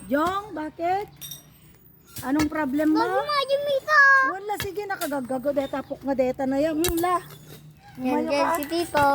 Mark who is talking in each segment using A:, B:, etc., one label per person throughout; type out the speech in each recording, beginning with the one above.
A: Jong, bakit? Anong problem mo?
B: Bago nga yung mita.
A: Wala, sige, nakagagago. Deta, puk nga deta na yan. La.
B: Yan
A: Umayo
B: dyan
A: ka.
B: si Tito.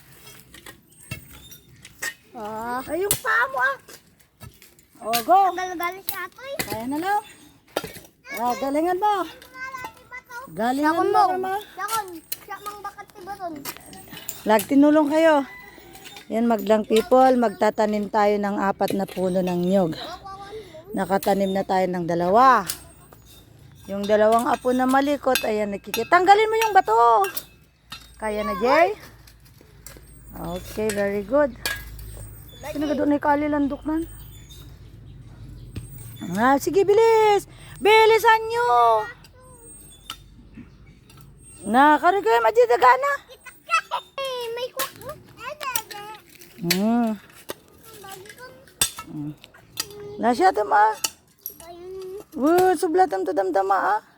B: Oh.
A: Ay, yung paa mo ah. O, go.
B: Galing si Atoy.
A: Kaya na lang. Galingan mo. Galingan
B: Sakon
A: mo,
B: mo.
A: Rama.
B: Sakon. Siya mang bakat si Baton.
A: Lag, tinulong kayo. Yan, maglang people. Magtatanim tayo ng 4 na puno ng nyog. Nakatanim na tayo ng 2. Yung 2 apo na malikot, ayan, tanggalin mo yung bato. Kaya na, Jay? Okay, very good. Sino ka doon ay kalilandok man? Sige, bilis! Bilisan nyo! Nakarigay, madidagana.
B: May kwak mo.
A: Nasya ito ma. Sublatam to damdama ah.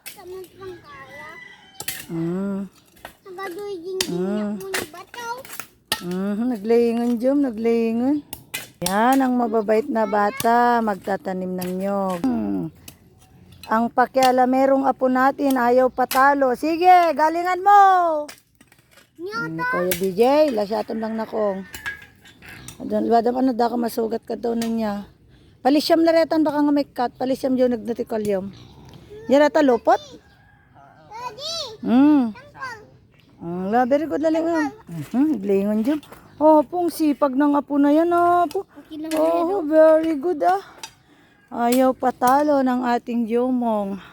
A: Naglayingon Jom, naglayingon. Yan ang mababait na bata, magtatanim ng nyog. Ang pakiala merong apo natin, ayaw patalo. Sige, galingan mo. Kuya DJ, lasyatan lang na kong. Wadam ano da ka masugat ka daw na niya. Palisyam na retan baka nga may cut. Palisyam dyan nagnatikalyom. Yan ata lupot? Very good laling. Blingon dyan. Oh, pong sipag ng apo na yan. Oh, very good ah. Ayaw patalo ng ating Jomong.